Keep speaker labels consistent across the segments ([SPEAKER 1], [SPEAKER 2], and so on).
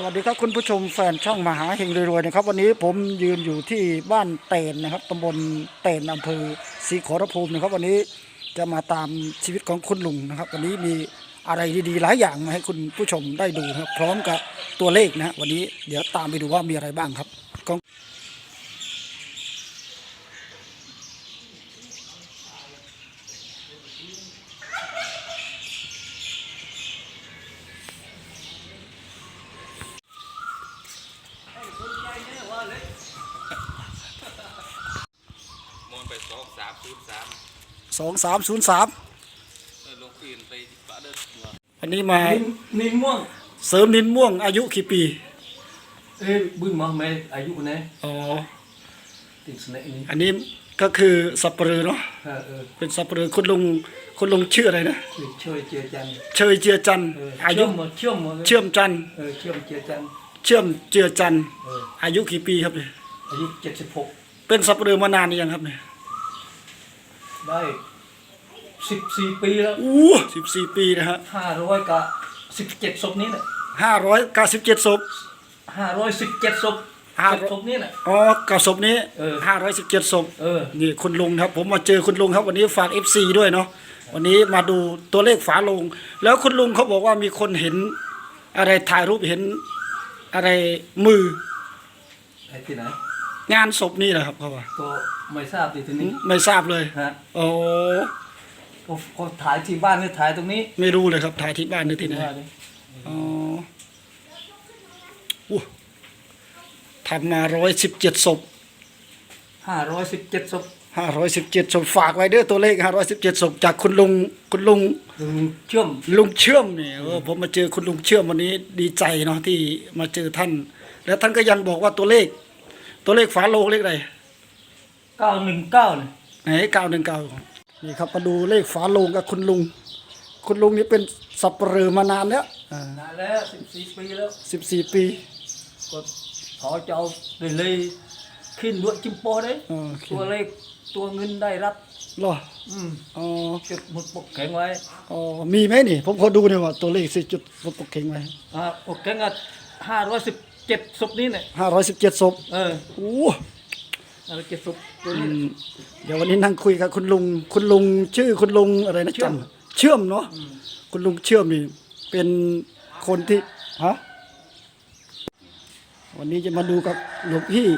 [SPEAKER 1] วัสดีครับคุณผู้ชมแฟนช่องมหาเฮงรวยๆนะครับวันนี้ผมยืนอยู่ที่บ้านเตนนะครับตำบลเตนอำเภอศรีขอรภูมินะครับวันนี้จะมาตามชีวิตของคุณลุงนะครับวันนี้มีอะไรดีๆหลายอย่างมาให้คุณผู้ชมได้ดูครับพร้อมกับตัวเลขนะวันนี้เดี๋ยวตามไปดูว่ามีอะไรบ้างครับ
[SPEAKER 2] มองไป2303
[SPEAKER 1] 2303
[SPEAKER 2] ลงปีนไปปะเดิน
[SPEAKER 1] อันนี้มา
[SPEAKER 3] นินม่วง
[SPEAKER 1] เสริมนินม่วงอายุกี่ปี
[SPEAKER 3] บึ้งมาแม่อายุคนไหน
[SPEAKER 1] อ๋อ
[SPEAKER 3] ติดสเนกนี่
[SPEAKER 1] อันนี้ก็คือสับปะเรือเนาะเป็นสับปะเรือคุณลุงชื่ออะไรนะ
[SPEAKER 3] เชยเจียจัน
[SPEAKER 1] เชยเจียจันอายุ
[SPEAKER 3] เชื่อ
[SPEAKER 1] มจัน
[SPEAKER 3] เชื่อมเจียจัน
[SPEAKER 1] เชื่อมเจือจันอายุกี่ปีครับเนี่ย
[SPEAKER 3] อายุ76
[SPEAKER 1] เป็นสับปะเรือมานานหรือยังครับเนี่ย
[SPEAKER 3] ได้14 ปีแล้ว
[SPEAKER 1] 14 ปีนะฮะ
[SPEAKER 3] 500กับ17ศพนี้แหละ
[SPEAKER 1] 597 ศพ
[SPEAKER 3] 517 ศพศพนี้แหละ
[SPEAKER 1] อ๋อกับศพนี้517 ศพนี่คุณลุงครับผมมาเจอคุณลุงครับวันนี้ฝาก FC ด้วยเนาะวันนี้มาดูตัวเลขฝาโลงแล้วคุณลุงเขาบอกว่ามีคนเห็นอะไรถ่ายรูปเห็นอะไรมือ
[SPEAKER 3] ที่ไหน
[SPEAKER 1] งานศพนี่แหละครับเขาว่า
[SPEAKER 3] ก็ไม่ทราบทีนี้
[SPEAKER 1] ไม่ทราบเลย
[SPEAKER 3] ฮะ
[SPEAKER 1] โอ้
[SPEAKER 3] ก็ถ่ายที่บ้านหรือถ่ายตรงนี้
[SPEAKER 1] ไม่รู้เลยครับถ่ายที่บ้านหรือที่ไหนอ๋อทำมา117 ศพ
[SPEAKER 3] 517 ศพ
[SPEAKER 1] 517 ศพฝากไว้เด้อตัวเลข517 ศพจากคุณลุง
[SPEAKER 3] เชื่อม
[SPEAKER 1] เนี่ยผมมาเจอคุณลุงเชื่อมวันนี้ดีใจเนาะที่มาเจอท่านแล้วท่านก็ยังบอกว่าตัวเลขฝาโลงเลขอะไร
[SPEAKER 3] 919เนี่ย
[SPEAKER 1] ไหน919นี่ครับมาดูเลขฝาโลงกับคุณลุงนี่เป็นสับปะเหร่อมานานแล้ว
[SPEAKER 3] นานแล้ว14 ปีแล้ว
[SPEAKER 1] 14 ปี
[SPEAKER 3] ก็ขอเจ้าเลยขึ้นด้วยจิมโปได้ตัวเลขตัวเงินได้รับ
[SPEAKER 1] หรอ
[SPEAKER 3] อ๋อจุดหมดปกแข็งไว้
[SPEAKER 1] อ๋อมีไหมนี่ผมขอดูหน่อยว่าตัวเลข4จุดหมดปกแข็งไว้
[SPEAKER 3] ปกแข็ง517 ศพนี้เนี่ย
[SPEAKER 1] 517 ศพโอ้
[SPEAKER 3] 517 ศพตัวนี้
[SPEAKER 1] เดี๋ยววันนี้นั่งคุยกับคุณลุงชื่อคุณลุงอะไรนะจำเชื่อมเนาะคุณลุงเชื่อมนี่เป็นคนที่วันนี้จะมาดูกับหลวงพี่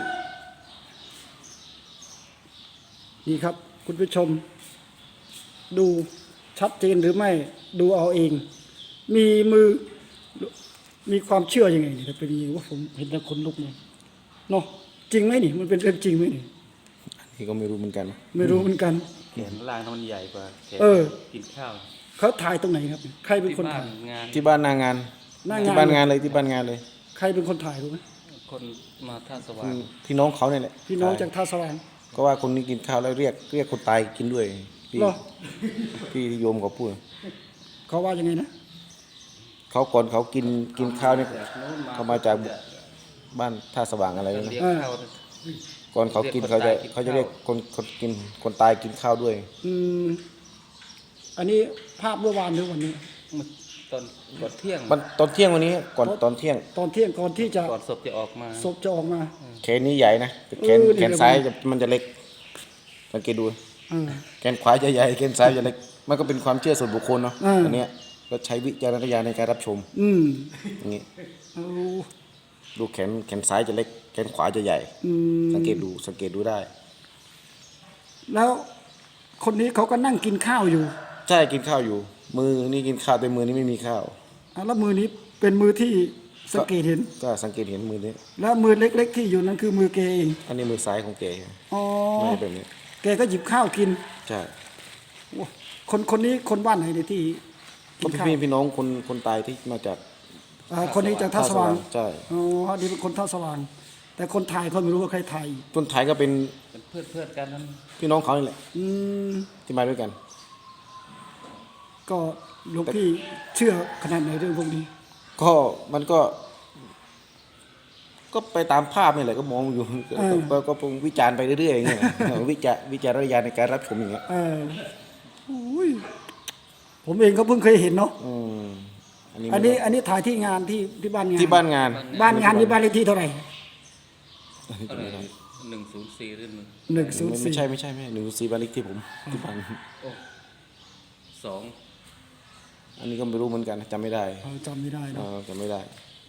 [SPEAKER 1] นี่ครับคุณผู้ชมดูชัดเจนหรือไม่ดูเอาเองมีมือมีความเชื่อยังไงนี่เป็นยังไงว่าผมเห็นแล้วคนลุกเลยเนาะจริงไหมนี่มันเป็นเรื่องจริงไหมนี่
[SPEAKER 2] อันนี้ก็ไม่รู้เหมือนกัน
[SPEAKER 1] ไม่รู้เหมือนกัน
[SPEAKER 2] แขนล่างมันใหญ่กว่าแขนกินข้าว
[SPEAKER 1] เขาถ่ายตรงไหนครับใครเป็นคนถ่าย
[SPEAKER 2] ที่บ้านนางานที่บ้านงานเลย
[SPEAKER 1] ใครเป็นคนถ่ายรู้ไหม
[SPEAKER 2] คนมาท่าสว่างพี่น้องเขาเนี่ยแหละ
[SPEAKER 1] พี่น้องจากท่าสว่าง
[SPEAKER 2] ก็ว่าคนนี้กินข้าวแล้วเรียกคนตายกินด้วยพี่โยมเขาพูด
[SPEAKER 1] เขาว่ายังไงนะ
[SPEAKER 2] เขาก่อนเขากินข้าวนี่เขามาจากบ้านท่าสว่างอะไรนะก่อนเขากินเขาจะเรียกคนกินคนตายกินข้าวด้วย
[SPEAKER 1] อันนี้ภาพเมื่อวานหรือวันนี้
[SPEAKER 2] ตอนเที่ยงตอนเที่ยงวันนี้ก่อนตอนเที่ยง
[SPEAKER 1] ก่อนที่จะ
[SPEAKER 2] ก่อนศพจะออกมาแขนนี้ใหญ่นะแขนซ้ายมันจะเล็กสังเกตดูแขนขวาจะใหญ่แขนซ้ายจะเล็กมันก็เป็นความเชื่อส่วนบุคคลเนาะอันนี้ก็ใช้วิจารณญาณในการรับชมอย่างนี้ดูแขนซ้ายจะเล็กแขนขวาจะใหญ่สังเกตดูได้
[SPEAKER 1] แล้วคนนี้เขาก็นั่งกินข้าวอยู่
[SPEAKER 2] ใช่กินข้าวอยู่มือนี่กินข้าวแต่มือนี้ไม่มีข้าว
[SPEAKER 1] แล้วมือนี้เป็นมือที่สังเกตเห็น
[SPEAKER 2] ก็สังเกตเห็นมือนี้
[SPEAKER 1] แล้วมือเล็กๆที่อยู่นั่นคือมือแกเอง
[SPEAKER 2] อันนี้มือซ้ายของแก
[SPEAKER 1] อ๋อ
[SPEAKER 2] ไม่แบบนี้
[SPEAKER 1] แกก็หยิบข้าวกิน
[SPEAKER 2] ใช่
[SPEAKER 1] คนนี้คนบ้านไหนเนี่ยที่
[SPEAKER 2] พี่น้องคนตายที่มาจาก
[SPEAKER 1] คนนี้จากท่าสว่าง
[SPEAKER 2] ใช่
[SPEAKER 1] อ๋อนี่เป็นคนท่าสว่างแต่คนถ่ายเขาไม่รู้ว่าใครถ่าย
[SPEAKER 2] คนถ่ายก็เป็น
[SPEAKER 3] เพื่อนกันนั้น
[SPEAKER 2] พี่น้องเขานี่แหละที่มาด้วยกัน
[SPEAKER 1] ก็หลวงพี่เชื่อขนาดไหนเรื่องพวกนี้
[SPEAKER 2] ก็มันก็ไปตามภาพนี่แหละก็มองอยู่ก็วิจารณ์ไปเรื่อยๆอย่างเงี้ยวิจารณญาณในการรับชมอย่างเงี้ย
[SPEAKER 1] ผมเองก็เพิ่งเคยเห็นเนาะอันนี้ถ่ายที่งานที่บ้านงาน
[SPEAKER 2] ที่บ้านงาน
[SPEAKER 1] บ้านงานนี่บ้านเลขที่เท่าไหร่
[SPEAKER 3] อะไร104หรือ
[SPEAKER 1] 104
[SPEAKER 2] ไม่ใช่หนึ่งสี่บ้านเลขที่ผมที่บ้าน
[SPEAKER 3] 2
[SPEAKER 2] อันนี้ก็ไม่รู้เหมือนกันจำไม่ได้
[SPEAKER 1] จำไม่ได้เนอะ
[SPEAKER 2] จำไม่ได้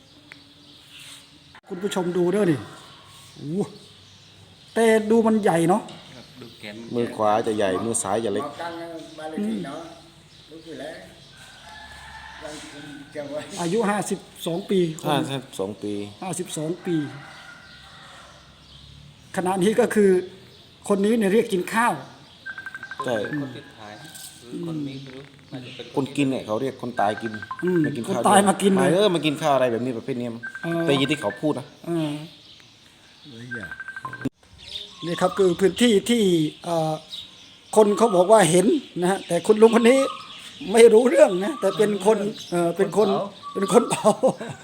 [SPEAKER 1] คุณผู้ชมดูเด้อนี่โอ้โหแต่ดูมันใหญ่เนาะ
[SPEAKER 3] ครับดูแกน
[SPEAKER 2] มือขวาจะใหญ่มือซ้ายจะเล็ก
[SPEAKER 1] อายุ52 ปีคน
[SPEAKER 2] 52 ปี
[SPEAKER 1] 52 ปี ขณะนี้ก็คือคนนี้เนี่ยเรียกกินข้าว
[SPEAKER 2] ใช่
[SPEAKER 3] คนที่ถ่ายหรือคนนี้ไม่รู้น่าจะเป็น
[SPEAKER 2] คนกินเนี่ยเขาเรียกคนตายกินมากินข้าว
[SPEAKER 1] คนตายมากินเลย
[SPEAKER 2] มากินข้าวอะไรแบบนี้ประเภทนี้มั้งแต่ยินที่เขาพูดนะ
[SPEAKER 1] นี่ครับคือพื้นที่ที่คนเขาบอกว่าเห็นนะฮะแต่คุณลุงคนนี้ไม่รู้เรื่องนะแต่เป็นคนเป็นคนเผา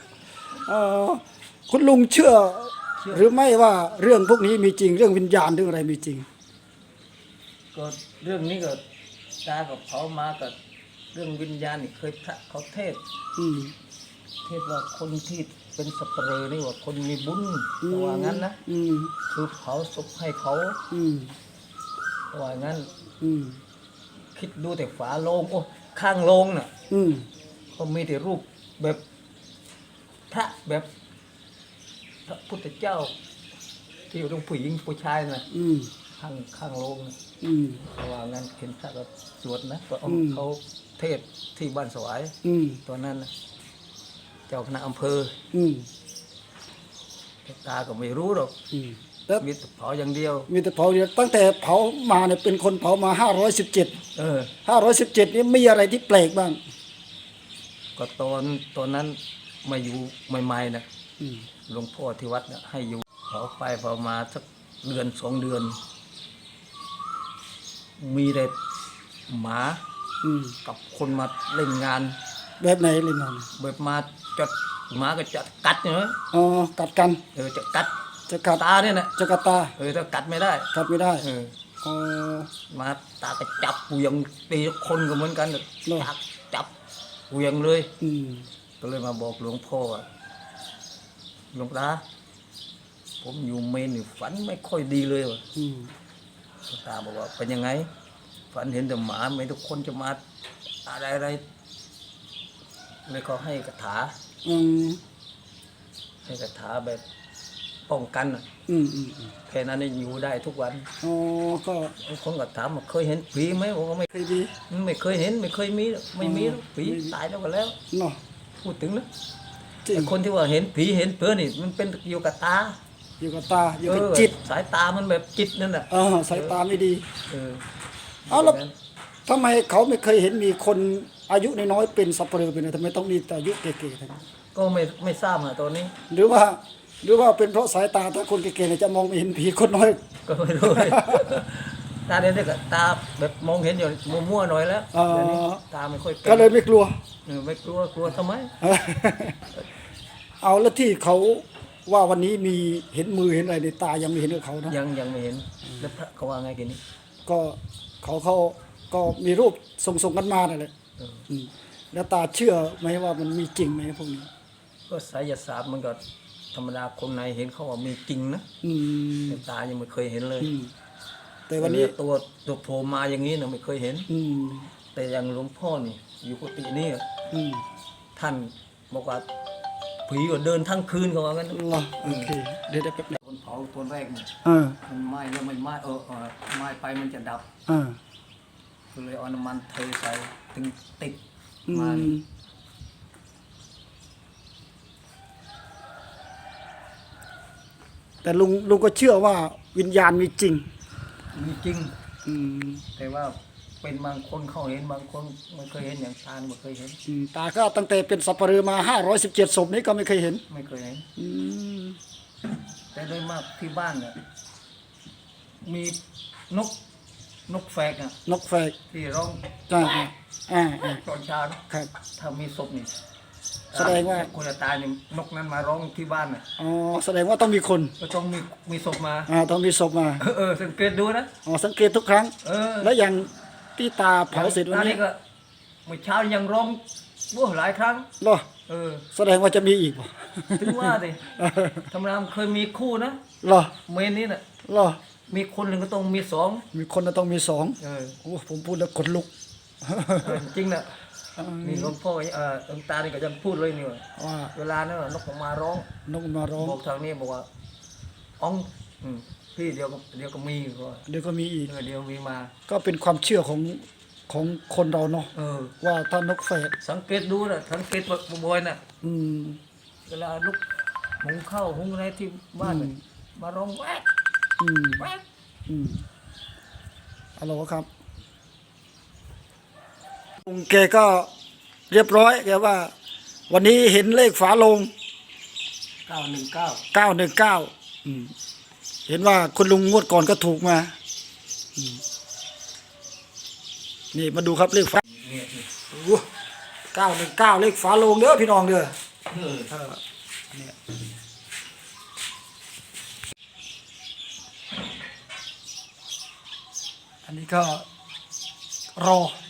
[SPEAKER 1] คุณลุงเชื่อ หรือไม่ว่าเรื่องพวกนี้มีจริงเรื่องวิญญาณเรื่องอะไรมีจริง
[SPEAKER 3] ก็เรื่องนี้ก็ตากับเขามากับเรื่องวิญญาณนี่เคยพระเขาเทศ
[SPEAKER 1] อืม
[SPEAKER 3] เทศว่าคนที่เป็นสัปเหร่อนี่ว่าคนมีบุญเขาว่างั้นนะ
[SPEAKER 1] อืม
[SPEAKER 3] คือเผาศพให้เขา
[SPEAKER 1] อืม
[SPEAKER 3] เขาว่างั้น
[SPEAKER 1] อืม
[SPEAKER 3] คิดดูแต่ฝาโลงโอ้ข้างโลงน่ะ
[SPEAKER 1] อืม
[SPEAKER 3] ก็มีแต่รูปแบบพระแบบพระพุทธเจ้า ที่อยู่ตรงผู้หญิงผู้ชายน่ะ
[SPEAKER 1] อืม
[SPEAKER 3] ข้างโลงน่ะ
[SPEAKER 1] อืม
[SPEAKER 3] เขาว่างั้นเห็นพระก็สวดนะตัว
[SPEAKER 1] อืม
[SPEAKER 3] เขาเทศที่บ้านสวาย
[SPEAKER 1] อืม
[SPEAKER 3] ตัวนั้นนะเจ้าคณะอำเภอ
[SPEAKER 1] อืม
[SPEAKER 3] ตาก็ไม่รู้หรอก
[SPEAKER 1] อืมแล้ว
[SPEAKER 3] มีแต่เผาอย่างเดียว
[SPEAKER 1] มีแต่เผาเดียวตั้งแต่เผามาเนี่ยเป็นคนเผามา517
[SPEAKER 3] เออ
[SPEAKER 1] 517นี่มีอะไรที่แปลกบ้าง
[SPEAKER 3] ก็ตอนนั้นมาอยู่ใหม่ๆนะ
[SPEAKER 1] อืม
[SPEAKER 3] หลวงพ่อที่วัดเนี่ยให้อยู่เผาไปเผามาสักเดือน2 เดือน มีแต่หมา
[SPEAKER 1] อืม
[SPEAKER 3] กับคนมาเล่นงาน
[SPEAKER 1] แบบไหนเลยนอน
[SPEAKER 3] แบบมาจัดหมาก็จะกัดเนาะ
[SPEAKER 1] อ๋อกัดกัน
[SPEAKER 3] จะกัด
[SPEAKER 1] จะกัด
[SPEAKER 3] ตาเนี่ยนะ
[SPEAKER 1] จะกัดตา
[SPEAKER 3] ถ้ากัดไม่ได้
[SPEAKER 1] กัดไม่ได้
[SPEAKER 3] เออ
[SPEAKER 1] อ๋อ
[SPEAKER 3] มาตาก็จับเหวียงตีคนก็เหมือนกัน
[SPEAKER 1] เหรอ
[SPEAKER 3] จับเหวียงเลย
[SPEAKER 1] อืม
[SPEAKER 3] ก็เลยมาบอกหลวงพ่อว่าหลวงตาผมอยู่เมนนี่ฝันไม่ค่อยดีเลยว่ะ
[SPEAKER 1] อืม
[SPEAKER 3] หลวงตาบอกว่าเป็นยังไง ฝันเห็นแต่หมาไม่ทุกคนจะมาอะไรเลยเขาให้คาถา
[SPEAKER 1] อืม
[SPEAKER 3] ให้คาถาแบบป้องกันน่ะ
[SPEAKER 1] อืมอืมอืม
[SPEAKER 3] แค่นั้นนี่อยู่ได้ทุกวัน
[SPEAKER 1] อ๋อก็
[SPEAKER 3] บางคนก็ถามว่าเคยเห็นผีไหมบอกว่าไม่
[SPEAKER 1] เคยดี
[SPEAKER 3] ไม่เคยเห็นไม่เคยมีหรอกไม่มีหรอกผีตายแล้วก็แล้ว
[SPEAKER 1] เนาะ
[SPEAKER 3] พูดถึงนะ
[SPEAKER 1] จริง
[SPEAKER 3] แต่คนที่ว่าเห็นผีเห็นเปื้อนี่มันเป็นอยู่กับตา
[SPEAKER 1] อยู่กับตาอยู่กับจิต
[SPEAKER 3] สายตามันแบบจิตนั่นแหละ
[SPEAKER 1] สายตาไม่ดี
[SPEAKER 3] เออ
[SPEAKER 1] เอาแล้วทำไมเขาไม่เคยเห็นมีคนอายุน้อยๆเป็นสัปเหร่อเป็นอะไรทำไมต้องมีแต่อายุเก๋ๆทั้งนั้น
[SPEAKER 3] ก็ไม่ทราบอะตอนนี้
[SPEAKER 1] หรือว่าเป็นเพราะสายตาถ้าคนเก๋ๆเนี่ยจะมองไม่เห็นผีคนน้อย
[SPEAKER 3] ก็ไม่รู้เลย ตาเด็กๆตาแบบมองเห็นอยู่มั่วๆหน่อยแล้ว
[SPEAKER 1] อ๋อ
[SPEAKER 3] เดี๋ยวนี้ตาไม่ค่อยป็น
[SPEAKER 1] ก็เลยไม่กลัว
[SPEAKER 3] ไม่กลัวทำไม
[SPEAKER 1] เอาแล้วที่เขาว่าวันนี้มีเห็นมือเห็นอะไรในตายังไม่เห็นกับเขานะ
[SPEAKER 3] ยังไม่เห็นแล้วพระเขาว่าไงกันนี้
[SPEAKER 1] ก็เขาก็มีรูปส่งกันมานั่นแหละ
[SPEAKER 3] เออ
[SPEAKER 1] อืมแล้วตาเชื่อไหมว่ามันมีจริงไหมพวกนี้
[SPEAKER 3] ก็ไสยศาสตร์มันก็ธรรมดาคนในเห็นเขาว่ามีจริงนะ
[SPEAKER 1] อืม
[SPEAKER 3] แต่ตายังไม่เคยเห็นเลย
[SPEAKER 1] อืมแต่วันนี้
[SPEAKER 3] ตัวโผล่มาอย่างนี้นะไม่เคยเห็น
[SPEAKER 1] อืม
[SPEAKER 3] แต่อย่างหลวงพ่อนี่อยู่กุฏินี่
[SPEAKER 1] อืม
[SPEAKER 3] ท่านบอกว่าผีก็เดินทั้งคืนเขาว่างั้น
[SPEAKER 1] เหรอโอเคเดี๋ยวแป๊บนึง
[SPEAKER 3] คนเผาตัวแรกเนี่ย
[SPEAKER 1] เออ
[SPEAKER 3] มันไหม้แล้วไม่ไหม้ไหม้ไปมันจะดับ
[SPEAKER 1] เออ
[SPEAKER 3] ก็เลยเอาน้ำมันเทใส่ถึงติด
[SPEAKER 1] อื
[SPEAKER 3] มาม
[SPEAKER 1] แต่ลุงก็เชื่อว่าวิญญาณมีจริง
[SPEAKER 3] มีจริง
[SPEAKER 1] อืม
[SPEAKER 3] แต่ว่าเป็นบางคนเขาเห็นบางคนไม่เคยเห็นอย่างตาไม่เคยเห็น
[SPEAKER 1] อืมตาก็ตั้งแต่เป็นสัปเหร่อมา517ศพนี้ก็ไม่เคยเห็น
[SPEAKER 3] ไม่เคยเห็น
[SPEAKER 1] อืม
[SPEAKER 3] แต่โดยมากที่บ้านเนี่ยมีนกแฝกอ่ะ
[SPEAKER 1] นกแฝก
[SPEAKER 3] ที่ร้อง
[SPEAKER 1] อ่า
[SPEAKER 3] ตอนเช้านะครับ ถ้ามีศพนี่
[SPEAKER 1] แสดงว่า
[SPEAKER 3] คนจะตายนี่นกนั้นมาร้องที่บ้านน่ะ
[SPEAKER 1] อ๋อแสดงว่าต้องมีคน
[SPEAKER 3] ก็ต้องมีศพมา
[SPEAKER 1] ต้องมีศพมา
[SPEAKER 3] สังเกตดูนะ
[SPEAKER 1] อ๋อสังเกตทุกครั้ง
[SPEAKER 3] เออ
[SPEAKER 1] แล้วอย่างที่ตาเผาเสร็จวัน
[SPEAKER 3] ตา
[SPEAKER 1] นี้
[SPEAKER 3] ก็เมื่อเช้ายังร้องโอ้หลายครั้ง
[SPEAKER 1] เหรอ
[SPEAKER 3] เออ
[SPEAKER 1] แสดงว่าจะมีอีกบ่
[SPEAKER 3] ถึงว่าดิธรรมดาเคยมีคู่นะ
[SPEAKER 1] เหรอ
[SPEAKER 3] เมนนี้น่ะ
[SPEAKER 1] เหรอ
[SPEAKER 3] มีคนหนึ่งก็ต้องมีสอง
[SPEAKER 1] มีคนน่ะต้องมีสอง
[SPEAKER 3] เออ
[SPEAKER 1] โอ้ผมพูดแล้วขนลุก
[SPEAKER 3] จริงน่ะนี่หลวงพ่อหลวงตานี่ก็ยังพูดเลยนี่ว่า
[SPEAKER 1] ว่า
[SPEAKER 3] เวลานั้นนกออกมาร้อง
[SPEAKER 1] นกมาร้อง
[SPEAKER 3] บอกทางนี้บอกว่าอ๋องพี่เดี๋ยวก็มีก็
[SPEAKER 1] เดี๋ยวก็มีอีก
[SPEAKER 3] เดี๋ยวมีมา
[SPEAKER 1] ก็เป็นความเชื่อของคนเราเนาะ
[SPEAKER 3] เออ
[SPEAKER 1] ว่าถ้านกแฝด
[SPEAKER 3] สังเกตดูนะสังเกตบ่อยๆน่ะ
[SPEAKER 1] อืม
[SPEAKER 3] เวลาลูกหุงข้าวหุงอะไรที่บ้านน่ะมาร้องแวก
[SPEAKER 1] อืม
[SPEAKER 3] แวก
[SPEAKER 1] อืมฮัลโหลครับลุงแกก็เรียบร้อยแกว่า วันนี้เห็นเลขฝาโลง
[SPEAKER 3] 919
[SPEAKER 1] 919เห็นว่าคุณลุงงวดก่อนก็ถูกมานี่มาดูครับเลขฝา
[SPEAKER 3] เนี่ย
[SPEAKER 1] 919เลขฝาโลงเด้อพี่น้องเด้อ
[SPEAKER 3] เออ
[SPEAKER 1] เนี่ยอันนี้ก็รอ